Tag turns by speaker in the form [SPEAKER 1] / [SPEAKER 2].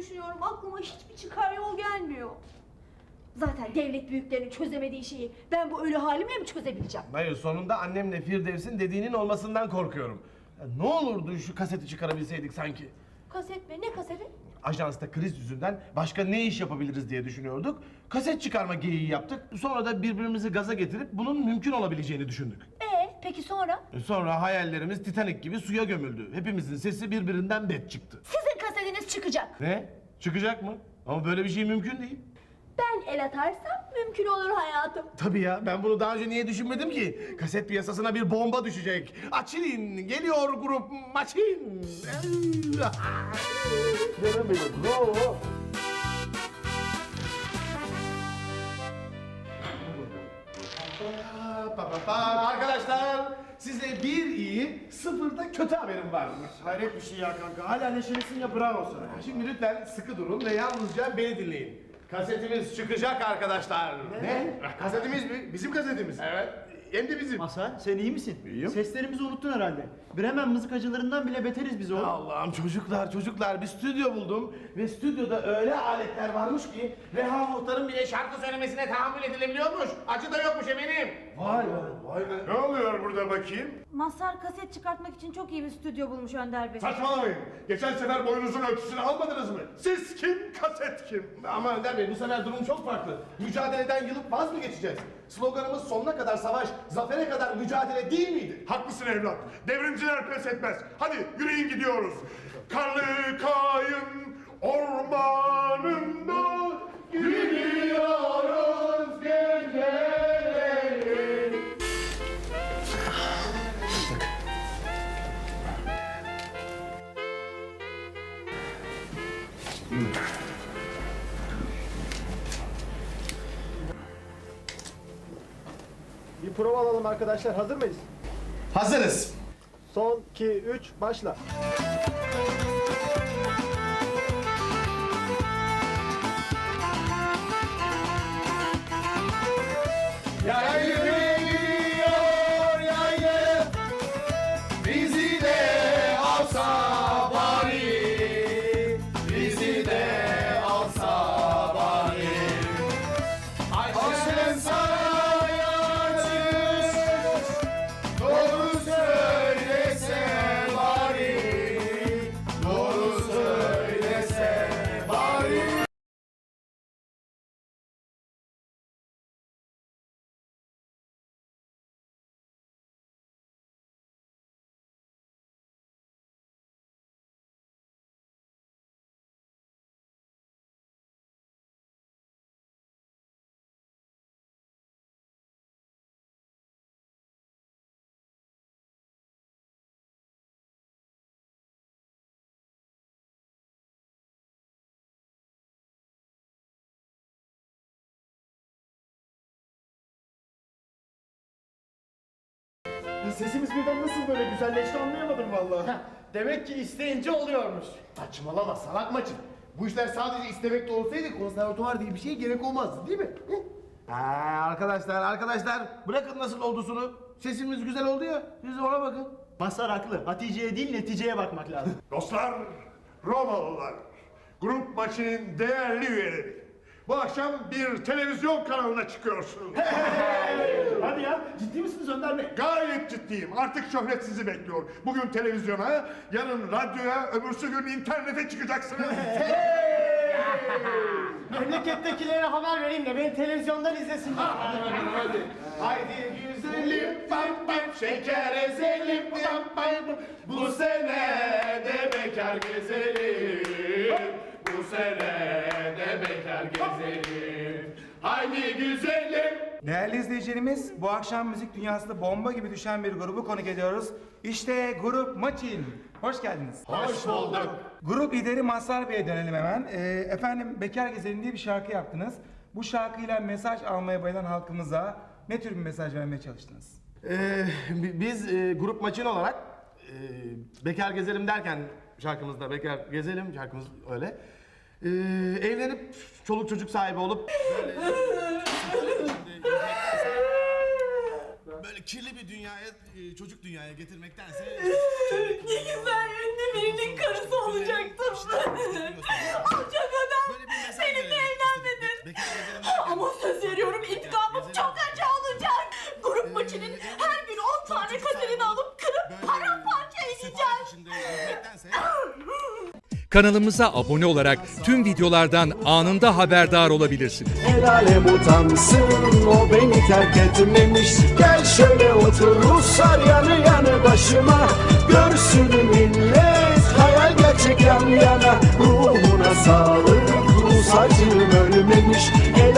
[SPEAKER 1] düşünüyorum. Aklıma hiçbir çıkar yol gelmiyor. Zaten devlet büyüklerinin çözemediği şeyi ben bu ölü halimle mi çözebileceğim?
[SPEAKER 2] Hayır, sonunda annemle Firdevs'in dediğinin olmasından korkuyorum. Ya ne olurdu şu kaseti çıkarabilseydik sanki.
[SPEAKER 1] Kaset mi? Ne kaseti?
[SPEAKER 2] Ajansta kriz yüzünden başka ne iş yapabiliriz diye düşünüyorduk. Kaset çıkarma geyiği yaptık. Sonra da birbirimizi gaza getirip bunun mümkün olabileceğini düşündük.
[SPEAKER 1] Peki sonra?
[SPEAKER 2] Sonra hayallerimiz Titanik gibi suya gömüldü. Hepimizin sesi birbirinden bet çıktı.
[SPEAKER 1] Sizin kasetiniz çıkacak.
[SPEAKER 2] Ne? Çıkacak mı? Ama böyle bir şey mümkün değil.
[SPEAKER 1] Ben el atarsam mümkün olur hayatım.
[SPEAKER 2] Tabii ya, ben bunu daha önce niye düşünmedim ki? Kaset piyasasına bir bomba düşecek. Açılın, geliyor grup Maçin. Canım benim, bravo. Arkadaşlar, size bir iyi, sıfırda kötü haberim var.
[SPEAKER 3] Hayret bir şey ya kanka. Hala neşelisin ya, bravo sana.
[SPEAKER 2] Şimdi lütfen sıkı durun ve yalnızca beni dinleyin. Kasetimiz çıkacak arkadaşlar.
[SPEAKER 3] Ne? Kasetimiz mi? Bizim kasetimiz.
[SPEAKER 2] Evet.
[SPEAKER 3] Hem de bizim.
[SPEAKER 4] Hasan sen iyi misin?
[SPEAKER 3] İyiyim.
[SPEAKER 4] Seslerimizi unuttun herhalde. Bremen mızıkacılarından bile beteriz biz oğlum.
[SPEAKER 2] Allah'ım çocuklar bir stüdyo buldum ve stüdyoda öyle aletler varmış ki Reha Muhtar'ın bile şarkı söylemesine tahammül edilebiliyormuş. Acı da yokmuş eminim.
[SPEAKER 3] Vay be. Vay be. Ne oluyor burada bakayım?
[SPEAKER 1] Mazhar kaset çıkartmak için çok iyi bir stüdyo bulmuş Önder Bey.
[SPEAKER 3] Saçmalamayın. Geçen sefer boyunuzun ölçüsünü almadınız mı? Siz kim, kaset kim?
[SPEAKER 2] Ama Önder Bey, bu sefer durum çok farklı. Mücadeleden yılıp vaz mı geçeceğiz? Sloganımız sonuna kadar savaş, zafere kadar mücadele değil miydi?
[SPEAKER 3] Haklısın evlat. Devrimciler pes etmez. Hadi yürüyün gidiyoruz. Karlı kayın ormanında gidiyoruz geceleri.
[SPEAKER 4] Bir prova alalım arkadaşlar. Hazır mıyız?
[SPEAKER 2] Hazırız.
[SPEAKER 4] Son 2 3 başla.
[SPEAKER 2] Yaylı gidiyor yaylı, bizi de alsa bari, bizi de alsa bari. Ayşen sana yansız, doğru söylese bari, doğru söylese bari.
[SPEAKER 4] Sesimiz birden nasıl böyle güzelleşti anlayamadım vallahi.
[SPEAKER 3] Demek ki isteyince oluyormuş. Saçmalama salak maçın. Bu işler sadece istemekte olsaydı konservatuvar diye bir şeye gerek olmazdı değil mi?
[SPEAKER 2] Arkadaşlar bırakın nasıl olduğunu. Sesimiz güzel oldu ya, siz ona bakın.
[SPEAKER 4] Mazhar haklı. Hatice'ye değil neticeye bakmak lazım.
[SPEAKER 3] Dostlar, Romalılar, grup maçının değerli üyeleri. Bu akşam bir televizyon kanalına çıkıyorsunuz.
[SPEAKER 4] Hadi ya ciddi misiniz Önder Bey?
[SPEAKER 3] Gayet ciddiyim. Artık şöhret sizi bekliyor. Bugün televizyona, yarın radyoya, öbürsü gün internete çıkacaksınız.
[SPEAKER 4] Memlekettekilere haber vereyim de beni televizyondan izlesinler.
[SPEAKER 3] Haydi güzelim pam pam, şeker ezelim pam pam. Bu sene de bekar gezelim. Bu sene de bekar gezelim. Haydi güzelim.
[SPEAKER 5] Değerli izleyicilerimiz, bu akşam müzik dünyasında bomba gibi düşen bir grubu konuk ediyoruz. İşte grup Maçin. Hoş geldiniz.
[SPEAKER 3] Hoş bulduk.
[SPEAKER 5] Grup lideri Mazhar Bey'e dönelim hemen. Efendim, Bekar Gezelim diye bir şarkı yaptınız. Bu şarkıyla mesaj almaya bayılan halkımıza ne tür bir mesaj vermeye çalıştınız?
[SPEAKER 2] Biz grup Maçin olarak Bekar Gezelim derken şarkımızda Bekar Gezelim şarkımız öyle. Evlenip çoluk çocuk sahibi olup böyle kirli bir dünyaya, çocuk dünyaya getirmektense
[SPEAKER 1] Ne güzel ünlü birinin karısı olacaktım. Alçak Her gün 10 tane kaserini alıp kırıp paramparça edeceğim.
[SPEAKER 6] Kanalımıza abone olarak tüm videolardan anında haberdar olabilirsiniz.
[SPEAKER 7] El alem utansın, o beni terk etmemiş. Gel şöyle otur Ruslar yanı yanı başıma. Görsün millet, hayal gerçek yan yana. Ruhuna sağlık, Rus acım ölmemiş.